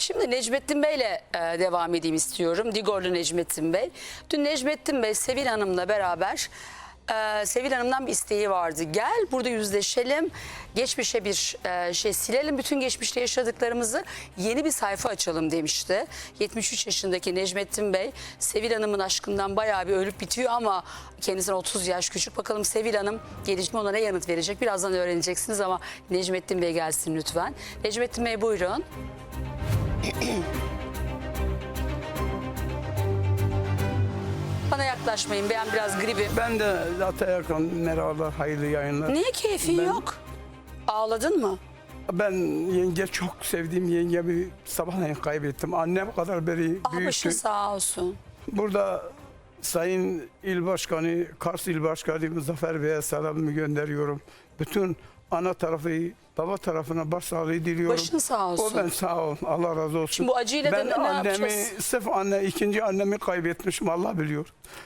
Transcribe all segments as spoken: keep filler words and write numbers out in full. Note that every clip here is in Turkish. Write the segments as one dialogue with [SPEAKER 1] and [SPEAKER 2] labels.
[SPEAKER 1] Şimdi Necmettin Bey'le e, devam edeyim istiyorum. Digorlu Necmettin Bey. Dün Necmettin Bey Sevil Hanım'la beraber e, Sevil Hanım'dan bir isteği vardı. Gel burada yüzleşelim. Geçmişe bir e, şey silelim. Bütün geçmişte yaşadıklarımızı yeni bir sayfa açalım demişti. yetmiş üç yaşındaki Necmettin Bey Sevil Hanım'ın aşkından bayağı bir ölüp bitiyor ama kendisinden otuz yaş küçük. Bakalım Sevil Hanım gelişme ona ne yanıt verecek? Birazdan öğreneceksiniz ama Necmettin Bey gelsin lütfen. Necmettin Bey buyurun. Bana yaklaşmayın. Ben biraz gribim.
[SPEAKER 2] Ben de zaten yakın. Merhabalar, hayırlı yayınlar.
[SPEAKER 1] Niye keyfin
[SPEAKER 2] Ben-
[SPEAKER 1] yok? Ağladın mı?
[SPEAKER 2] Ben yenge çok sevdiğim yengemi sabahleyin kaybettim. Annem kadar beri
[SPEAKER 1] Ah başın
[SPEAKER 2] büyüktü.
[SPEAKER 1] sağ olsun.
[SPEAKER 2] Burada Sayın İl Başkanı, Kars İl Başkanı Muzaffer Bey'e selamımı gönderiyorum. Bütün ana tarafı, baba tarafına başsağlığı diliyorum.
[SPEAKER 1] Başın sağ olsun.
[SPEAKER 2] O ben sağ ol. Allah razı olsun.
[SPEAKER 1] Şimdi bu acıyla da
[SPEAKER 2] ben
[SPEAKER 1] ne
[SPEAKER 2] annemi,
[SPEAKER 1] yapacağız?
[SPEAKER 2] sırf anne, ikinci annemi kaybetmişim, Allah biliyor.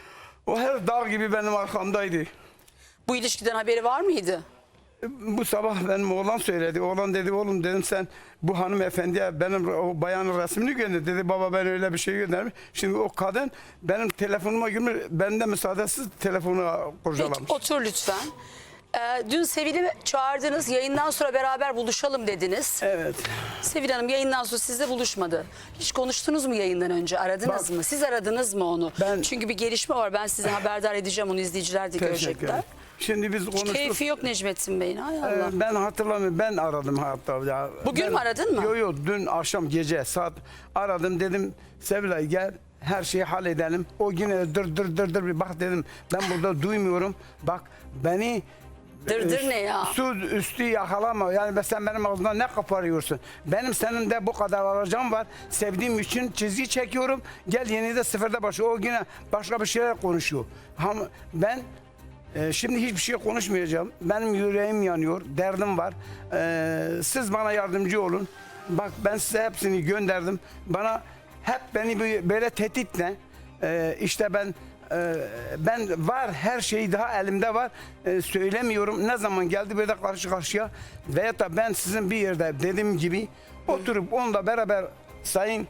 [SPEAKER 2] O her dağ gibi benim arkamdaydı.
[SPEAKER 1] Bu ilişkiden haberi var mıydı?
[SPEAKER 2] Bu sabah benim oğlan söyledi. Oğlan dedi, oğlum dedim, sen bu hanımefendiye benim o bayanın resmini gönder. Dedi baba ben öyle bir şey göndermiş. Şimdi o kadın benim telefonuma girmiş. Benden müsaadesiz telefonu kurcalamış.
[SPEAKER 1] Peki otur lütfen. Ee, dün Sevil'i çağırdınız. Yayından sonra beraber buluşalım dediniz.
[SPEAKER 2] Evet.
[SPEAKER 1] Sevil Hanım yayından sonra sizle buluşmadı. Hiç konuştunuz mu yayından önce? Aradınız
[SPEAKER 2] Bak,
[SPEAKER 1] mı? Siz aradınız mı onu?
[SPEAKER 2] ben-
[SPEAKER 1] Çünkü bir gelişme var. Ben size haberdar edeceğim. Onu izleyiciler de
[SPEAKER 2] Teşekkür
[SPEAKER 1] görecekler.
[SPEAKER 2] ederim. Şimdi biz
[SPEAKER 1] Hiç
[SPEAKER 2] konuştuk.
[SPEAKER 1] keyfi yok Necmettin Bey'in. Hay Allah.
[SPEAKER 2] Ee, ben hatırlamıyorum. Ben aradım hatta. Ya.
[SPEAKER 1] Bugün
[SPEAKER 2] ben,
[SPEAKER 1] mü aradın mı?
[SPEAKER 2] Yok yok, dün akşam gece saat aradım, dedim Sevilay gel her şeyi halledelim. O yine dır dır dır dır bir bak dedim, ben burada duymuyorum. Bak beni
[SPEAKER 1] Dır dır ne ya?
[SPEAKER 2] Su üstü yakalama. Yani sen benim ağzımdan ne koparıyorsun? Benim senin de bu kadar alacağım var. Sevdiğim için çizgi çekiyorum. Gel yeni de sıfırda başlıyor. O yine başka bir şeyler konuşuyor. Ama ben e, şimdi hiçbir şey konuşmayacağım. Benim yüreğim yanıyor. Derdim var. E, siz bana yardımcı olun. Bak ben size hepsini gönderdim. Bana hep beni böyle tehditle e, işte ben Ee, ben var, her şey daha elimde var, ee, söylemiyorum. Ne zaman geldi böyle karşı karşıya veya da ben sizin bir yerde dediğim gibi oturup onunla beraber sayın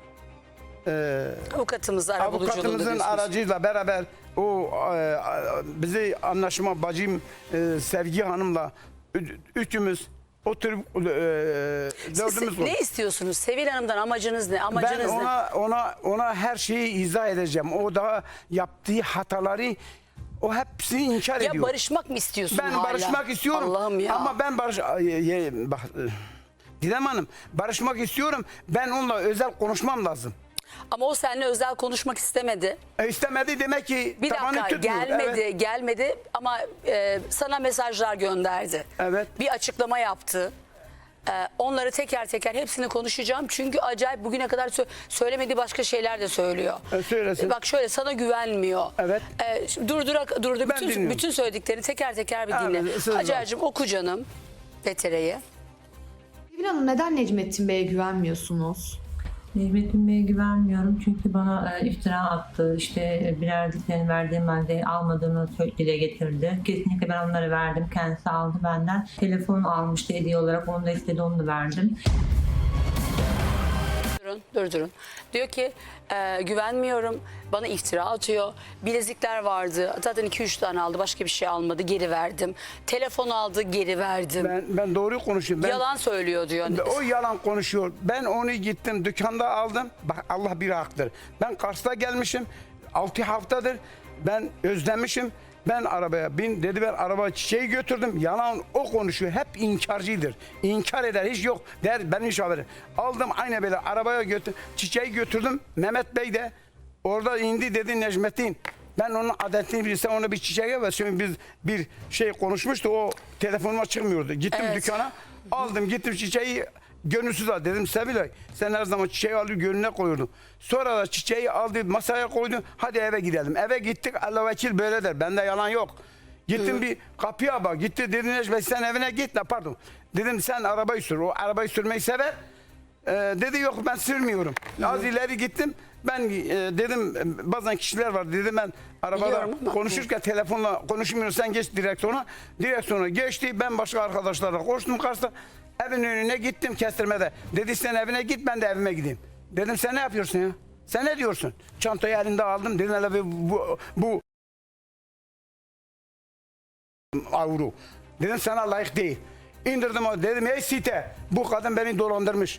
[SPEAKER 2] e,
[SPEAKER 1] Avukatımız arabuluculuğunda
[SPEAKER 2] avukatımızın
[SPEAKER 1] diyorsunuz.
[SPEAKER 2] aracıyla beraber o e, bizi anlaşma bacım e, Sevgi Hanım'la ü- üçümüz oturup e, dördümüz
[SPEAKER 1] Siz
[SPEAKER 2] olduk.
[SPEAKER 1] ne istiyorsunuz? Sevil Hanım'dan amacınız ne?
[SPEAKER 2] Ben
[SPEAKER 1] Amacınız ne?
[SPEAKER 2] ona ona ona her şeyi izah edeceğim. O da yaptığı hataları, o hepsini inkar
[SPEAKER 1] Ya
[SPEAKER 2] ediyor.
[SPEAKER 1] barışmak mı istiyorsun
[SPEAKER 2] Ben
[SPEAKER 1] hala?
[SPEAKER 2] barışmak istiyorum.
[SPEAKER 1] Allah'ım ya.
[SPEAKER 2] Ama ben barış Ay, ye- bak e, Didem Hanım, barışmak istiyorum. Ben onunla özel konuşmam lazım.
[SPEAKER 1] Ama o seninle özel konuşmak istemedi.
[SPEAKER 2] E, istemedi demek ki
[SPEAKER 1] Bir
[SPEAKER 2] tabanı
[SPEAKER 1] dakika
[SPEAKER 2] tutmuyor.
[SPEAKER 1] gelmedi
[SPEAKER 2] Evet.
[SPEAKER 1] gelmedi ama e, sana mesajlar gönderdi.
[SPEAKER 2] Evet.
[SPEAKER 1] Bir açıklama yaptı. E, onları teker teker hepsini konuşacağım. Çünkü acayip bugüne kadar sö- söylemediği başka şeyler de söylüyor.
[SPEAKER 2] E, söylesin.
[SPEAKER 1] E, bak şöyle sana güvenmiyor.
[SPEAKER 2] Evet.
[SPEAKER 1] E, şimdi durdurak durdu
[SPEAKER 2] Ben
[SPEAKER 1] bütün
[SPEAKER 2] dinliyorum.
[SPEAKER 1] bütün söylediklerini teker teker bir
[SPEAKER 2] Evet,
[SPEAKER 1] dinle.
[SPEAKER 2] söz var.
[SPEAKER 1] Hacer'cığım oku canım Betere'yi.
[SPEAKER 3] Sevil Hanım, neden Necmettin Bey'e güvenmiyorsunuz?
[SPEAKER 4] Necmettin Bey'e güvenmiyorum çünkü bana e, iftira attı. İşte bilerdiklerini verdiğim halde almadığını sö- dile getirdi. Kesinlikle ben onları verdim. Kendisi aldı benden. Telefon almıştı hediye olarak. Onu da istedi, onu da verdim.
[SPEAKER 1] Durun, dur durun. Diyor ki e, güvenmiyorum, bana iftira atıyor. Bilezikler vardı, zaten iki üç tane aldı, başka bir şey almadı, geri verdim. Telefon aldı, geri verdim.
[SPEAKER 2] Ben ben doğru konuşuyorum. Ben,
[SPEAKER 1] Yalan söylüyor diyor.
[SPEAKER 2] O yalan konuşuyor. Ben onu gittim dükkanda aldım. Bak Allah bir haktır. Ben Kars'ta gelmişim. altı haftadır. Ben özlemişim. Ben arabaya bin dedi, ben araba çiçeği götürdüm. Yalan o konuşuyor. Hep inkarcıdır. İnkar eder, hiç yok der, benim hiç haberim. Aldım aynı böyle arabaya götür, çiçeği götürdüm. Mehmet Bey de orada indi, dedi Necmettin, ben onun adetini bilsem ona bir çiçeğe ver. Şimdi biz bir şey konuşmuştu, o telefonuma çıkmıyordu. Gittim
[SPEAKER 1] Evet.
[SPEAKER 2] dükkana, aldım gittim çiçeği. Gönülsüz al dedim, Sevilay sen her zaman çiçeği alıyor gönlüne koyurdun. Sonra da çiçeği aldı masaya koydu, hadi eve gidelim. Eve gittik, Allah vekil böyle der, bende yalan yok. Gittim Hı. bir kapıya bak, gitti dedi Necmet sen evine git la, pardon. Dedim sen arabayı sür, o arabayı sürmeyi sever. Ee, dedi yok ben sürmüyorum. Hı. Az ileri gittim. Ben e, dedim bazen kişiler var, dedim ben arabada
[SPEAKER 1] Biliyorum ama.
[SPEAKER 2] konuşurken telefonla konuşmuyorum, sen geç direksiyona. Direksiyona geçti, ben başka arkadaşlarla koştum Kars'ta. Evin önüne gittim kestirmede. Dedi sen evine git, ben de evime gideyim. Dedim sen ne yapıyorsun ya? Sen ne diyorsun? Çantayı elinde aldım. Dedim hele bir bu, bu avru. Dedim sana layık değil. İndirdim o. Dedim ey site, bu kadın beni dolandırmış.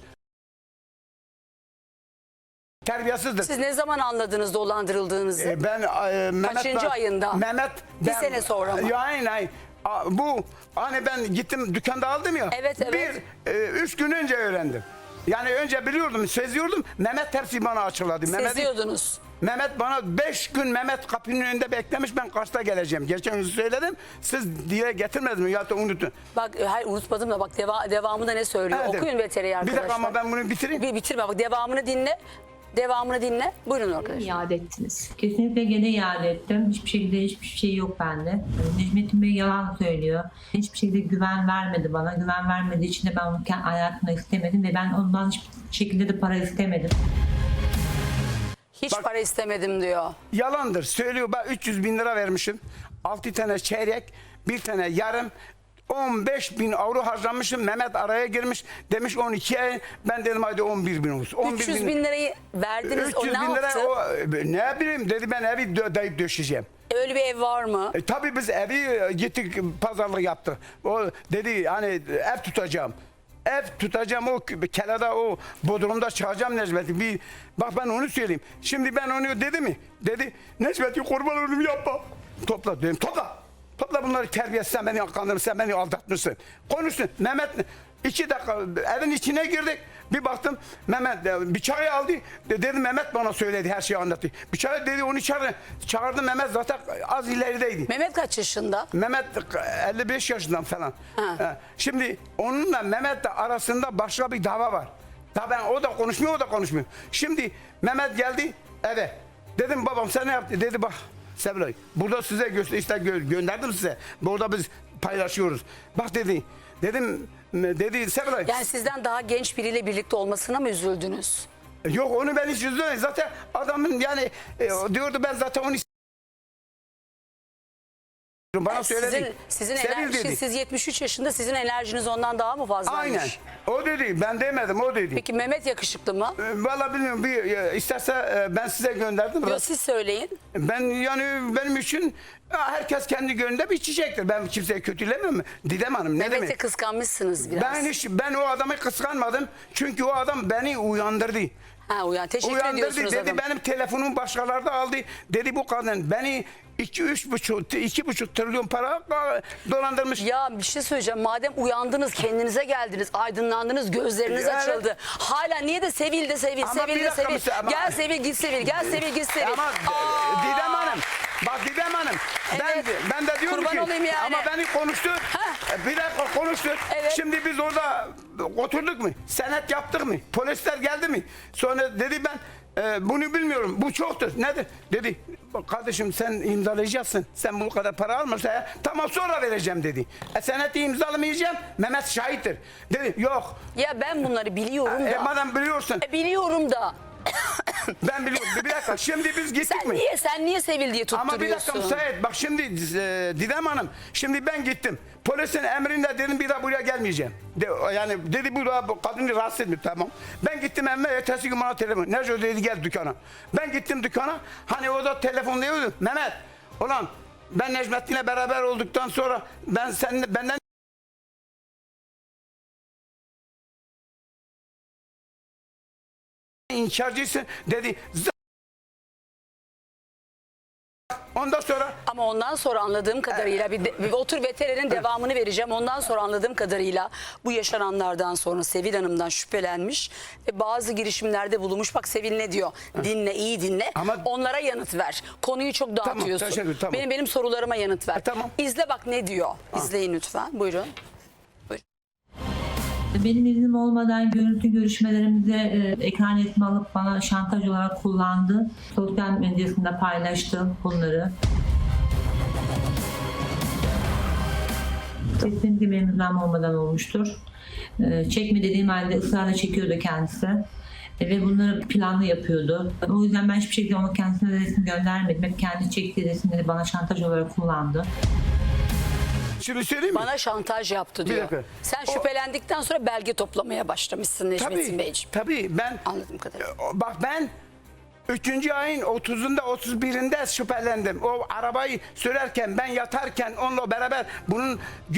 [SPEAKER 2] Terbiyesizdir.
[SPEAKER 1] Siz ne zaman anladınız dolandırıldığınızı?
[SPEAKER 2] E, ben e, Mehmet
[SPEAKER 1] Kaçıncı
[SPEAKER 2] ben-
[SPEAKER 1] ayında?
[SPEAKER 2] Mehmet
[SPEAKER 1] Bir
[SPEAKER 2] ben-
[SPEAKER 1] sene sonra mı?
[SPEAKER 2] Ya, aynen aynen. A, Bu hani ben gittim dükkanda aldım ya.
[SPEAKER 1] Evet, evet.
[SPEAKER 2] Bir e, üç gün önce öğrendim. Yani önce biliyordum, seziyordum. Mehmet hepsi bana açıkladı. Mehmet,
[SPEAKER 1] Seziyordunuz.
[SPEAKER 2] Mehmet bana beş gün Mehmet kapının önünde beklemiş, ben kaçta geleceğim. Geçen gün söyledim. Siz diye getirmediniz mi? Ya da unutun.
[SPEAKER 1] Bak e, hayır unutmadım da bak deva, devamında ne söylüyor?
[SPEAKER 2] Evet,
[SPEAKER 1] Okuyun
[SPEAKER 2] evet.
[SPEAKER 1] veteri
[SPEAKER 2] Bir
[SPEAKER 1] arkadaşlar.
[SPEAKER 2] dakika ama ben bunu bitireyim.
[SPEAKER 1] Bir bitirme bak devamını dinle. Devamını dinle. Buyurun arkadaşlar.
[SPEAKER 3] İade ettiniz.
[SPEAKER 4] Kesinlikle gene iade ettim. Hiçbir şekilde hiçbir şey yok bende. Yani Necmettin Bey yalan söylüyor. Hiçbir şekilde güven vermedi bana. Güven vermediği için de ben onu kendi hayatımda istemedim ve ben ondan hiçbir şekilde de para istemedim.
[SPEAKER 1] Hiç
[SPEAKER 2] Bak-
[SPEAKER 1] para istemedim diyor.
[SPEAKER 2] Yalandır. Söylüyor, ben üç yüz bin lira vermişim. altı tane çeyrek, bir tane yarım. on beş bin avro harcamışım. Mehmet araya girmiş. Demiş on iki ay. Ben dedim hadi on bir bin olsun. on bir
[SPEAKER 1] üç yüz bin lirayı verdiniz. O
[SPEAKER 2] üç yüz
[SPEAKER 1] ne
[SPEAKER 2] bin lira
[SPEAKER 1] yaptı?
[SPEAKER 2] o, ne bileyim dedi, ben evi dö- dayıp döşeceğim.
[SPEAKER 1] Öyle bir ev var mı?
[SPEAKER 2] E, tabii biz evi e, gittik pazarlık yaptık. O dedi hani ev tutacağım. Ev tutacağım, o kelada o bodrumda çıkacağım Necmet'i. Bir, bak ben onu söyleyeyim. Şimdi ben onu dedi mi? Dedi Necmet'i kurban olayım yapma. Topla dedim, topla. Topla bunları, terbiyesiz, sen beni kandırmışsın, sen beni aldatmışsın. Konuşsun. Mehmet iki dakika evin içine girdik. Bir baktım Mehmet e, bıçağı aldı. De, dedi Mehmet bana söyledi, her şeyi anlattı. Bıçağı dedi, onu çağırdı. Çağırdı, Mehmet zaten az ilerideydi.
[SPEAKER 1] Mehmet kaç yaşında?
[SPEAKER 2] Mehmet elli beş yaşından falan.
[SPEAKER 1] Ha.
[SPEAKER 2] Ha, Şimdi onunla Mehmet'le arasında başka bir dava var. Daha ben, o da konuşmuyor, o da konuşmuyor. Şimdi Mehmet geldi eve. Dedim babam sen ne yaptın? Dedi bak Sevilay, burada size göster, işte gö- gönderdim size. Burada biz paylaşıyoruz. Bak dedi. Dedim dedi Sevilay.
[SPEAKER 1] Yani sizden daha genç biriyle birlikte olmasına mı üzüldünüz?
[SPEAKER 2] Yok, onu ben hiç üzülmedim. Zaten adamın yani e, o diyordu, ben zaten onu bana söyledi.
[SPEAKER 1] Sizin, sizin
[SPEAKER 2] Sevil
[SPEAKER 1] enerji,
[SPEAKER 2] dedi.
[SPEAKER 1] siz yetmiş üç yaşında, sizin enerjiniz ondan daha mı fazlaymış?
[SPEAKER 2] Aynen. O dedi. Ben demedim, o dedi.
[SPEAKER 1] Peki Mehmet yakışıklı mı?
[SPEAKER 2] E, Vallahi bilmiyorum. Bir, e, isterse e, ben size gönderdim.
[SPEAKER 1] Yo, siz söyleyin.
[SPEAKER 2] Ben yani benim için ya, herkes kendi gönlünde bir çiçektir. Ben kimseye kötülemiyorum. Didem Hanım ne
[SPEAKER 1] Mehmet'i
[SPEAKER 2] demek?
[SPEAKER 1] kıskanmışsınız biraz.
[SPEAKER 2] Ben hiç ben o adamı kıskanmadım. Çünkü o adam beni uyandırdı.
[SPEAKER 1] Ha uyan. Teşekkür
[SPEAKER 2] Uyandırdı
[SPEAKER 1] ediyorsunuz
[SPEAKER 2] dedi,
[SPEAKER 1] adam.
[SPEAKER 2] benim telefonumu başkaları da aldı. Dedi bu kadın beni iki üç buçuk iki buçuk trilyon para dolandırmış.
[SPEAKER 1] Ya bir şey söyleyeceğim. Madem uyandınız, kendinize geldiniz, aydınlandınız, gözleriniz
[SPEAKER 2] Evet.
[SPEAKER 1] açıldı. Hala niye de Sevil de Sevil,
[SPEAKER 2] Ama
[SPEAKER 1] Sevil
[SPEAKER 2] bir
[SPEAKER 1] de
[SPEAKER 2] dakika
[SPEAKER 1] Sevil.
[SPEAKER 2] mesela, ama-
[SPEAKER 1] Gel Sevil git Sevil, gel Sevil git Sevil.
[SPEAKER 2] Ama
[SPEAKER 1] Aa!
[SPEAKER 2] Didem Hanım, bak Didem Hanım, ben,
[SPEAKER 1] Evet.
[SPEAKER 2] ben de diyorum
[SPEAKER 1] Kurban
[SPEAKER 2] ki,
[SPEAKER 1] olayım yani.
[SPEAKER 2] ama beni konuştur, bir dakika konuştur.
[SPEAKER 1] Evet.
[SPEAKER 2] Şimdi biz orada oturduk mu, senet yaptık mı, polisler geldi mi? Sonra dedi ben e, bunu bilmiyorum, bu çoktur, nedir? Dedi, bak kardeşim sen imzalayacaksın, sen bu kadar para almışsa ya, tamam sonra vereceğim dedi. E, seneti imzalamayacağım, Mehmet şahittir. Dedi yok,
[SPEAKER 1] Ya ben bunları biliyorum
[SPEAKER 2] e,
[SPEAKER 1] da.
[SPEAKER 2] madem biliyorsun,
[SPEAKER 1] E, biliyorum da.
[SPEAKER 2] ben biliyorum, bir dakika şimdi biz gittik
[SPEAKER 1] Sen
[SPEAKER 2] mi?
[SPEAKER 1] niye sen niye Sevil diye
[SPEAKER 2] Ama bir dakika
[SPEAKER 1] tutturuyorsun?
[SPEAKER 2] müsait. Bak şimdi e, Didem Hanım. Şimdi ben gittim. Polisin emrinde dedim bir daha buraya gelmeyeceğim. De, yani dedi bu da bu kadını rahatsız etmiyor. Tamam. Ben gittim evime, ertesi gün bana telefon. Nerede dedi gel dükkana. Ben gittim dükkana. Hani o da telefonluyordu. Mehmet. Ulan ben Necmettin'le beraber olduktan sonra ben seninle benden inkarcısın dedi. Z- Ondan sonra
[SPEAKER 1] Ama ondan sonra anladığım kadarıyla bir, de- bir otur veterinin devamını vereceğim. Ondan sonra anladığım kadarıyla bu yaşananlardan sonra Sevil Hanım'dan şüphelenmiş ve bazı girişimlerde bulunmuş. Bak Sevil ne diyor? Dinle, iyi dinle.
[SPEAKER 2] Ama-
[SPEAKER 1] Onlara yanıt ver. Konuyu çok dağıtıyorsun.
[SPEAKER 2] teşekkür, tamam.
[SPEAKER 1] Benim benim sorularıma yanıt ver.
[SPEAKER 2] E, tamam.
[SPEAKER 1] İzle bak ne diyor. İzleyin lütfen. Buyurun.
[SPEAKER 4] Benim iznim olmadan görüntü görüşmelerimize e, ekran resmi alıp bana şantaj olarak kullandı. Sosyal medyasında paylaştı bunları. Kesinlikle benim iznim olmadan olmuştur. E, çekme dediğim halde ısrarla çekiyordu kendisi. E, ve bunları planlı yapıyordu. O yüzden ben hiçbir şekilde ona kendisine resim göndermedim. Hep kendi çektiği resimleri bana şantaj olarak kullandı.
[SPEAKER 2] Şimdi söyleyeyim mi?
[SPEAKER 1] Bana şantaj yaptı diyor.
[SPEAKER 2] dakika.
[SPEAKER 1] Sen
[SPEAKER 2] O-
[SPEAKER 1] şüphelendikten sonra belge toplamaya başlamışsın Necmettin
[SPEAKER 2] Tabii,
[SPEAKER 1] Beyciğim.
[SPEAKER 2] tabii ben
[SPEAKER 1] Anladığım kadarıyla.
[SPEAKER 2] bak ben üçüncü ayın otuzunda otuz birinde şüphelendim. O arabayı sürerken ben yatarken onunla beraber bunun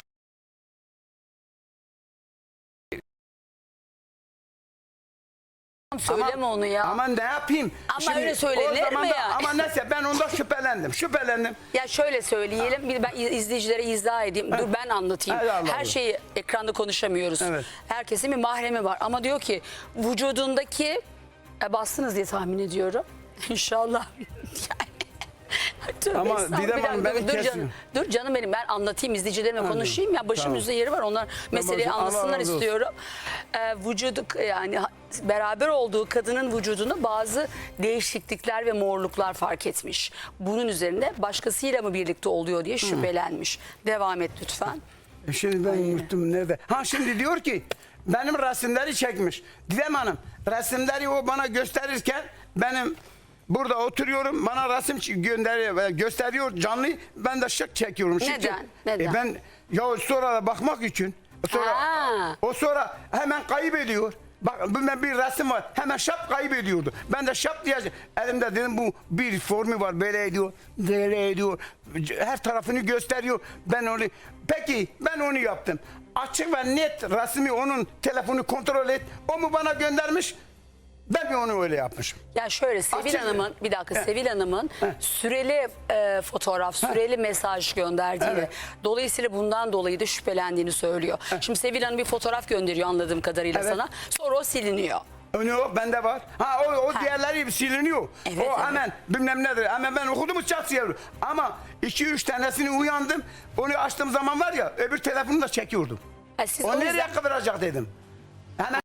[SPEAKER 1] Söyleme onu ya.
[SPEAKER 2] Ama ne yapayım?
[SPEAKER 1] Ama öyle söylenir
[SPEAKER 2] o zaman
[SPEAKER 1] mi
[SPEAKER 2] da-
[SPEAKER 1] yani?
[SPEAKER 2] Ama neyse ben ondan şüphelendim. Şüphelendim.
[SPEAKER 1] Ya şöyle söyleyelim, bir ben izleyicilere izah edeyim. Dur ben anlatayım.
[SPEAKER 2] Hadi Allah
[SPEAKER 1] Her
[SPEAKER 2] Allah.
[SPEAKER 1] şeyi ekranda konuşamıyoruz.
[SPEAKER 2] Evet.
[SPEAKER 1] Herkesin bir mahremi var. Ama diyor ki vücudundaki e, bastınız diye tahmin ediyorum. İnşallah. Tövbe
[SPEAKER 2] Ama
[SPEAKER 1] estağfurullah.
[SPEAKER 2] Didem
[SPEAKER 1] Bir
[SPEAKER 2] Hanım
[SPEAKER 1] dakika,
[SPEAKER 2] beni
[SPEAKER 1] dur
[SPEAKER 2] kesiyor.
[SPEAKER 1] canım. Dur canım benim, ben anlatayım, izleyicilerime konuşayım ya, başımın
[SPEAKER 2] Tamam.
[SPEAKER 1] üstünde yeri var, onlar meseleyi
[SPEAKER 2] Allah razı
[SPEAKER 1] anlasınlar
[SPEAKER 2] olsun.
[SPEAKER 1] istiyorum. Ee, vücudu yani beraber olduğu kadının vücudunda bazı değişiklikler ve morluklar fark etmiş. Bunun üzerine başkasıyla mı birlikte oluyor diye şüphelenmiş. Devam et lütfen.
[SPEAKER 2] E Şimdi ben unuttum nerede. Ha şimdi diyor ki benim resimleri çekmiş. Didem Hanım resimleri o bana gösterirken benim burada oturuyorum, bana resim ç- gönderiyor, gösteriyor canlı, ben de şık çekiyorum. Şık
[SPEAKER 1] Neden?
[SPEAKER 2] çek-
[SPEAKER 1] Neden?
[SPEAKER 2] E ben ya sonra da bakmak için sonra
[SPEAKER 1] Ha.
[SPEAKER 2] o sonra hemen kaybediyor. Bak ben bir resim var, hemen şap kaybediyordu. Ben de şap diye elimde dedim bu bir formu var, böyle ediyor, böyle ediyor. Her tarafını gösteriyor. Ben onu peki ben onu yaptım. Açık ve net resmi onun telefonu kontrol et. O mu bana göndermiş? Ben mi onu öyle yapmışım?
[SPEAKER 1] Ya şöyle Sevil
[SPEAKER 2] Açık-
[SPEAKER 1] Hanım'ın bir dakika
[SPEAKER 2] He.
[SPEAKER 1] Sevil Hanım'ın
[SPEAKER 2] He.
[SPEAKER 1] süreli e, fotoğraf, süreli mesaj gönderdiğini,
[SPEAKER 2] Evet.
[SPEAKER 1] dolayısıyla bundan dolayı da şüphelendiğini söylüyor. Şimdi Sevil Hanım bir fotoğraf gönderiyor anladığım kadarıyla
[SPEAKER 2] Evet.
[SPEAKER 1] sana. Sonra o siliniyor.
[SPEAKER 2] Onu yok, bende var. Ha o, o diğerleri siliniyor.
[SPEAKER 1] Evet,
[SPEAKER 2] o
[SPEAKER 1] evet.
[SPEAKER 2] hemen bilmem nedir. Hemen ben okudum çatsıyorum. Ama iki üç tanesini uyandım. Onu açtığım zaman var ya öbür telefonu da çekiyordum.
[SPEAKER 1] Ha, siz
[SPEAKER 2] O
[SPEAKER 1] o
[SPEAKER 2] nereye
[SPEAKER 1] yüzden
[SPEAKER 2] kıvıracak dedim. Hemen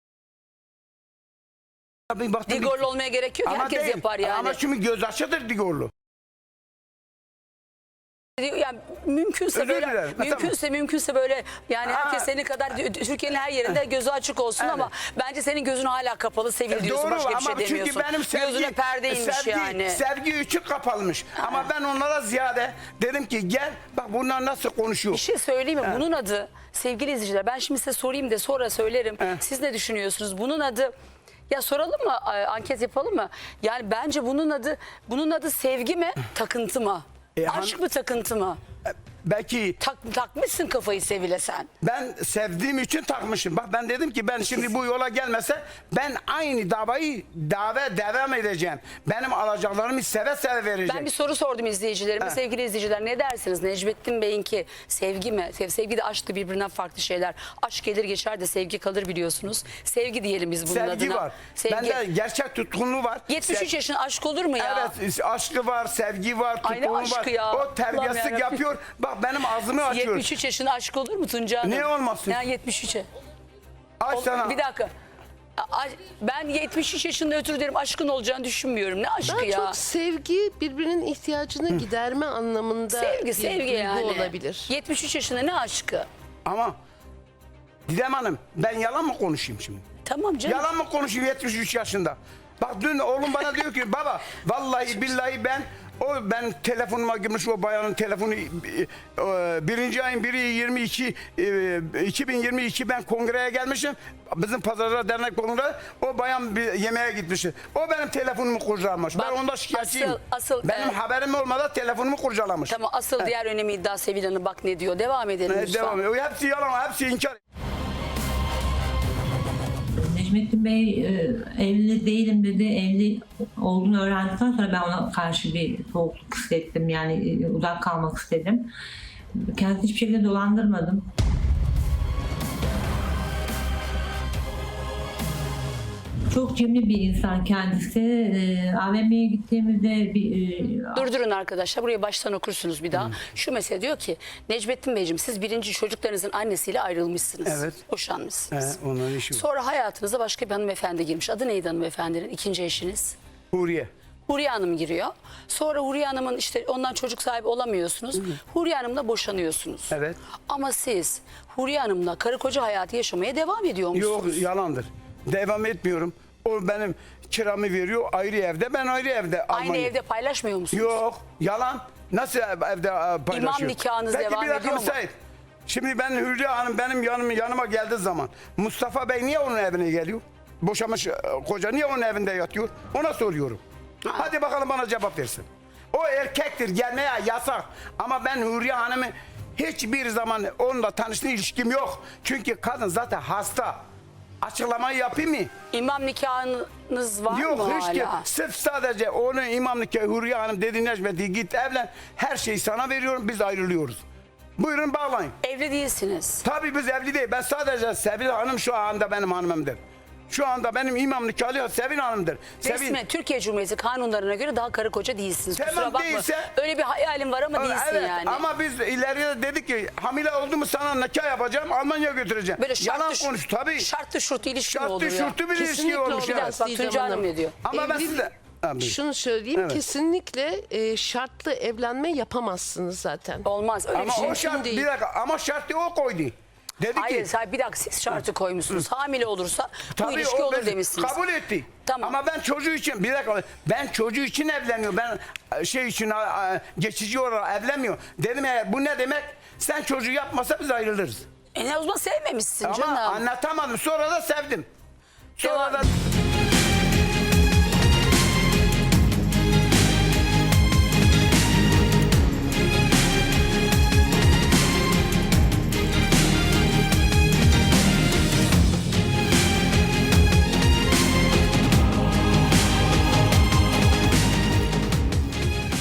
[SPEAKER 2] bir baktım,
[SPEAKER 1] Digorlu
[SPEAKER 2] bir-
[SPEAKER 1] olmaya gerek yok.
[SPEAKER 2] Ama
[SPEAKER 1] Herkes
[SPEAKER 2] değil.
[SPEAKER 1] yapar yani.
[SPEAKER 2] Ama şimdi göz açıdır Digorlu.
[SPEAKER 1] Yani mümkünse
[SPEAKER 2] Özür
[SPEAKER 1] böyle
[SPEAKER 2] dilerim. Ha,
[SPEAKER 1] mümkünse mümkünse böyle yani
[SPEAKER 2] Ha.
[SPEAKER 1] herkes senin kadar Türkiye'nin her yerinde gözü açık olsun
[SPEAKER 2] Evet.
[SPEAKER 1] ama bence senin gözün hala kapalı Sevil diyorsun,
[SPEAKER 2] Doğru
[SPEAKER 1] başka bir
[SPEAKER 2] ama
[SPEAKER 1] şey demiyorsun.
[SPEAKER 2] çünkü benim sevgi,
[SPEAKER 1] Gözüne perdeymiş
[SPEAKER 2] sevgi,
[SPEAKER 1] yani.
[SPEAKER 2] sevgi üçü kapalmış. Ama ben onlara ziyade dedim ki gel bak bunlar nasıl konuşuyor.
[SPEAKER 1] Bir şey söyleyeyim mi? Bunun adı sevgili izleyiciler, ben şimdi size sorayım da sonra söylerim.
[SPEAKER 2] Evet.
[SPEAKER 1] Siz ne düşünüyorsunuz? Bunun adı, ya soralım mı? a- Anket yapalım mı? Yani bence bunun adı bunun adı sevgi mi? Takıntı mı?
[SPEAKER 2] E,
[SPEAKER 1] Aşk
[SPEAKER 2] han-
[SPEAKER 1] mı, takıntı mı?
[SPEAKER 2] Belki
[SPEAKER 1] Tak, takmışsın kafayı Sevil'e sen.
[SPEAKER 2] ben sevdiğim için takmışım. Bak ben dedim ki ben şimdi bu yola gelmese ben aynı davayı dava devam edeceğim. Benim alacaklarımı seve seve vereceğim.
[SPEAKER 1] Ben bir soru sordum izleyicilerime.
[SPEAKER 2] Ha.
[SPEAKER 1] Sevgili izleyiciler, ne dersiniz? Necmettin Bey'inki sevgi mi? Sev, sevgi de aşk da birbirinden farklı şeyler. Aşk gelir geçer de sevgi kalır biliyorsunuz. Sevgi diyelim biz bunun
[SPEAKER 2] Sevgi
[SPEAKER 1] adına.
[SPEAKER 2] var.
[SPEAKER 1] Sevgi.
[SPEAKER 2] Bende gerçek tutkunluğu var.
[SPEAKER 1] yetmiş üç
[SPEAKER 2] Sev-
[SPEAKER 1] yaşın aşk olur mu ya?
[SPEAKER 2] Evet, aşkı var, sevgi var,
[SPEAKER 1] Ay ne
[SPEAKER 2] tutkunluğu var.
[SPEAKER 1] aşkı ya?
[SPEAKER 2] O
[SPEAKER 1] Allah'ım
[SPEAKER 2] terbiyesizlik
[SPEAKER 1] yarabbim.
[SPEAKER 2] yapıyor. Bak benim ağzımı açıyor.
[SPEAKER 1] yetmiş üç yaşında aşk olur mu Tunca Hanım?
[SPEAKER 2] Niye olmasın?
[SPEAKER 1] Ya yetmiş üçe.
[SPEAKER 2] Aç
[SPEAKER 1] O-
[SPEAKER 2] sana.
[SPEAKER 1] Bir dakika. A- Ben yetmiş üç yaşında ötürü derim aşkın olacağını düşünmüyorum. Ne aşkı
[SPEAKER 5] Daha
[SPEAKER 1] ya?
[SPEAKER 5] çok sevgi birbirinin ihtiyacını giderme anlamında
[SPEAKER 1] Sevgi,
[SPEAKER 5] bir
[SPEAKER 1] sevgi
[SPEAKER 5] duygu
[SPEAKER 1] yani.
[SPEAKER 5] olabilir.
[SPEAKER 1] yetmiş üç yaşında ne aşkı?
[SPEAKER 2] Ama Didem Hanım ben yalan mı konuşayım şimdi?
[SPEAKER 1] Tamam canım.
[SPEAKER 2] Yalan mı konuşayım yetmiş üç yaşında? Bak dün oğlum bana diyor ki baba vallahi billahi ben o ben telefonuma girmiş o bayanın telefonu e, e, birinci ayın biri yirmi iki e, iki bin yirmi iki ben kongreye gelmişim. Bizim Pazarlar Dernek kongresi o bayan bir yemeğe gitmişti. O benim telefonumu kurcalamış.
[SPEAKER 1] Bak,
[SPEAKER 2] Ben onda şikayetçiyim.
[SPEAKER 1] asıl- asıl,
[SPEAKER 2] benim
[SPEAKER 1] e,
[SPEAKER 2] haberim olmadan telefonumu kurcalamış.
[SPEAKER 1] Tamam, asıl diğer önemli iddia Sevil Hanım bak ne diyor. Devam edelim
[SPEAKER 2] Evet,
[SPEAKER 1] lütfen.
[SPEAKER 2] devam ediyor. Hepsi yalan, hepsi inkar.
[SPEAKER 4] Necmettin Bey e, evli değilim dedi. Evli olduğunu öğrendikten sonra ben ona karşı bir soğukluk hissettim. Yani e, uzak kalmak istedim. Kendisi hiçbir şekilde dolandırmadım. Çok cimri bir insan kendisi. E, A V M'ye gittiğimizde bir e,
[SPEAKER 1] Durdurun arkadaşlar, burayı baştan okursunuz bir daha. Şu mesele diyor ki Necmettin Beyciğim siz birinci çocuklarınızın annesiyle ayrılmışsınız.
[SPEAKER 2] Evet.
[SPEAKER 1] Boşanmışsınız.
[SPEAKER 2] He, onların işi var.
[SPEAKER 1] Sonra hayatınıza başka bir hanımefendi girmiş. Adı neydi hanımefendinin? İkinci eşiniz.
[SPEAKER 2] Huriye.
[SPEAKER 1] Huriye Hanım giriyor. Sonra Huriye Hanım'ın işte ondan çocuk sahibi olamıyorsunuz. Huriye Hanım'la boşanıyorsunuz.
[SPEAKER 2] Evet.
[SPEAKER 1] Ama siz Huriye Hanım'la karı koca hayatı yaşamaya devam ediyor
[SPEAKER 2] Yok
[SPEAKER 1] musunuz?
[SPEAKER 2] yalandır. Devam etmiyorum. O benim kiramı veriyor ayrı evde, ben ayrı evde.
[SPEAKER 1] Aynı
[SPEAKER 2] Almanya.
[SPEAKER 1] evde paylaşmıyor musunuz?
[SPEAKER 2] Yok yalan. Nasıl ev- evde e, paylaşıyor?
[SPEAKER 1] nikahınız
[SPEAKER 2] Peki,
[SPEAKER 1] devam
[SPEAKER 2] bir dakika
[SPEAKER 1] ediyor mu?
[SPEAKER 2] müsait. Şimdi ben Hülya Hanım benim yanım, yanıma geldiği zaman Mustafa Bey niye onun evine geliyor? Boşamış e, koca niye onun evinde yatıyor? Ona soruyorum. Hadi bakalım bana cevap versin. O erkektir, gelmeye yasak. Ama ben Hülya Hanım'ı hiçbir zaman onunla tanıştığı ilişkim yok. Çünkü kadın zaten hasta. Açıklamayı yapayım mı?
[SPEAKER 1] İmam nikahınız var
[SPEAKER 2] Yok
[SPEAKER 1] mı
[SPEAKER 2] hiç
[SPEAKER 1] hala?
[SPEAKER 2] ki sırf sadece onun imam nikahı Hürriye Hanım dedi Necmet'i git evlen. Her şeyi sana veriyorum, biz ayrılıyoruz. Buyurun bağlayın.
[SPEAKER 1] Evli değilsiniz.
[SPEAKER 2] Tabii biz evli değil. Ben sadece Sevil Hanım şu anda benim hanımımdır. Şu anda benim imam nikahlı Sevil Hanım'dır. Sevil,
[SPEAKER 1] Resmen Türkiye Cumhuriyeti kanunlarına göre daha karı koca değilsiniz.
[SPEAKER 2] Tamam,
[SPEAKER 1] Kusura bakma.
[SPEAKER 2] değilse-
[SPEAKER 1] Öyle bir hayalim var ama değilsin
[SPEAKER 2] evet,
[SPEAKER 1] yani.
[SPEAKER 2] ama biz ileriye dedik ki hamile oldu mu sana nikah yapacağım, Almanya'ya götüreceğim.
[SPEAKER 1] Böyle şartlı,
[SPEAKER 2] Yalan konuş tabii.
[SPEAKER 1] Şartlı şurtlu ilişki mi
[SPEAKER 2] Şartlı
[SPEAKER 1] olur ya?
[SPEAKER 2] şurtlu bir ilişki
[SPEAKER 5] Kesinlikle
[SPEAKER 2] olmuş.
[SPEAKER 5] olmaz.
[SPEAKER 2] Evet.
[SPEAKER 1] Bak
[SPEAKER 5] Didem
[SPEAKER 1] Tuncay Hanım
[SPEAKER 5] Hanım.
[SPEAKER 1] ne diyor?
[SPEAKER 2] Ama ben
[SPEAKER 5] Evlilik-
[SPEAKER 2] size... Abi.
[SPEAKER 5] Şunu söyleyeyim,
[SPEAKER 2] Evet.
[SPEAKER 5] kesinlikle e, şartlı evlenme yapamazsınız zaten.
[SPEAKER 1] Olmaz öyle
[SPEAKER 2] Ama
[SPEAKER 1] bir şey.
[SPEAKER 2] o şart,
[SPEAKER 5] değil.
[SPEAKER 2] bir dakika, ama şartı o koydu. Dedi
[SPEAKER 1] Hayır,
[SPEAKER 2] ki
[SPEAKER 1] hayır, bir dakika siz şartı koymuşsunuz. Hamile olursa bu
[SPEAKER 2] tabii
[SPEAKER 1] ilişki
[SPEAKER 2] o
[SPEAKER 1] olur
[SPEAKER 2] biz
[SPEAKER 1] demişsiniz.
[SPEAKER 2] kabul etti.
[SPEAKER 1] Tamam.
[SPEAKER 2] Ama ben çocuğu için bir dakika ben çocuğu için evleniyorum. Ben e, şey için a, a, geçici olarak evlenmiyorum. Dedim eğer bu ne demek? Sen çocuğu yapmasa biz ayrılırız.
[SPEAKER 1] E ne o zaman sevmemişsin
[SPEAKER 2] Ama
[SPEAKER 1] canım.
[SPEAKER 2] anlatamadım. Sonra da sevdim. Sonra
[SPEAKER 1] Devam-
[SPEAKER 2] da